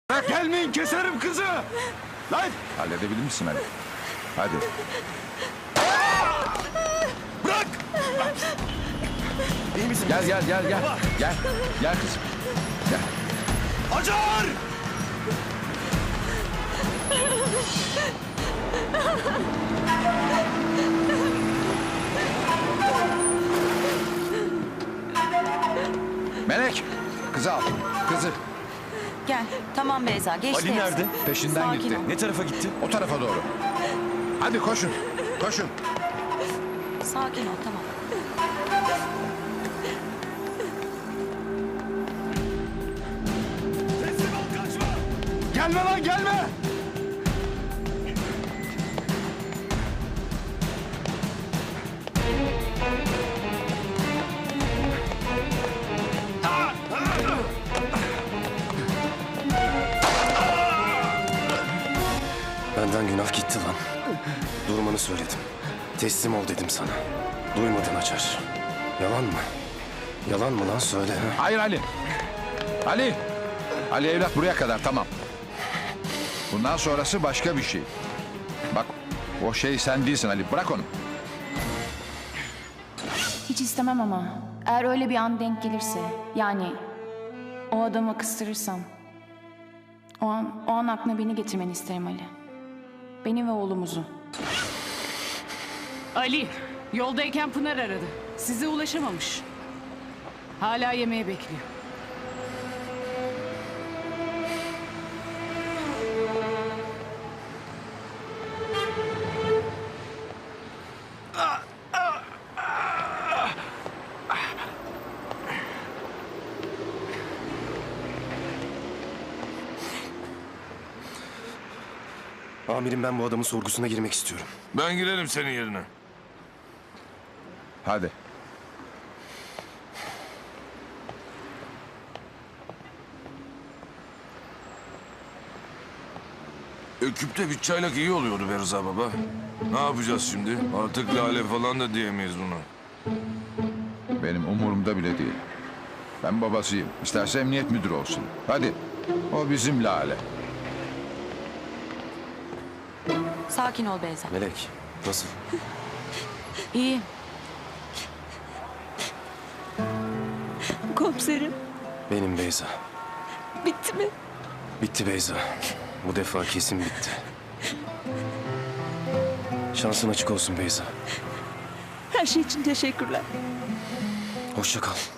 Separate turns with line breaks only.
Bırak, gelmeyin, keserim kızı. Lan!
Halledebilir misin Ali? Hadi.
Bırak! İyi misin?
Gel. Gel kızım. Gel.
Acar!
Melek, kızı al. Kızı.
Gel. Tamam Beyza. Geçti.
Ali nerede?
Peşinden
Sakin
gitti.
ol.
Ne tarafa gitti?
O tarafa doğru. Hadi koşun. Koşun.
Sakin ol, tamam.
Teslim ol, kaçma! Gelme lan, gelme!
Benden günah gitti lan. Durmanı söyledim. Teslim ol dedim sana. Duymadın Açar. Yalan mı? Yalan mı lan söyle. Ha?
Hayır Ali. Ali. Ali evlat buraya kadar tamam. Bundan sonrası başka bir şey. Bak o şey sen değilsin Ali. Bırak onu.
Hiç istemem ama eğer öyle bir an denk gelirse, yani o adamı kıstırırsam, o an aklına beni getirmeni isterim Ali. Beni ve oğlumuzu.
Ali, yoldayken Pınar aradı. Size ulaşamamış. Hala yemeğe bekliyor.
Amirim ben bu adamın sorgusuna girmek istiyorum.
Ben girerim senin yerine.
Hadi.
Küpte bir çaylak iyi oluyordu be Rıza baba. Ne yapacağız şimdi? Artık Lale falan da diyemeyiz buna.
Benim umurumda bile değil. Ben babasıyım. İsterse emniyet müdürü olsun. Hadi. O bizim Lale.
Sakin ol Beyza.
Melek nasıl?
İyi.
Komiserim,
Benim Beyza.
bitti mi?
Bitti Beyza. Bu defa kesin bitti. Şansın açık olsun Beyza.
Her şey için teşekkürler.
Hoşça kal.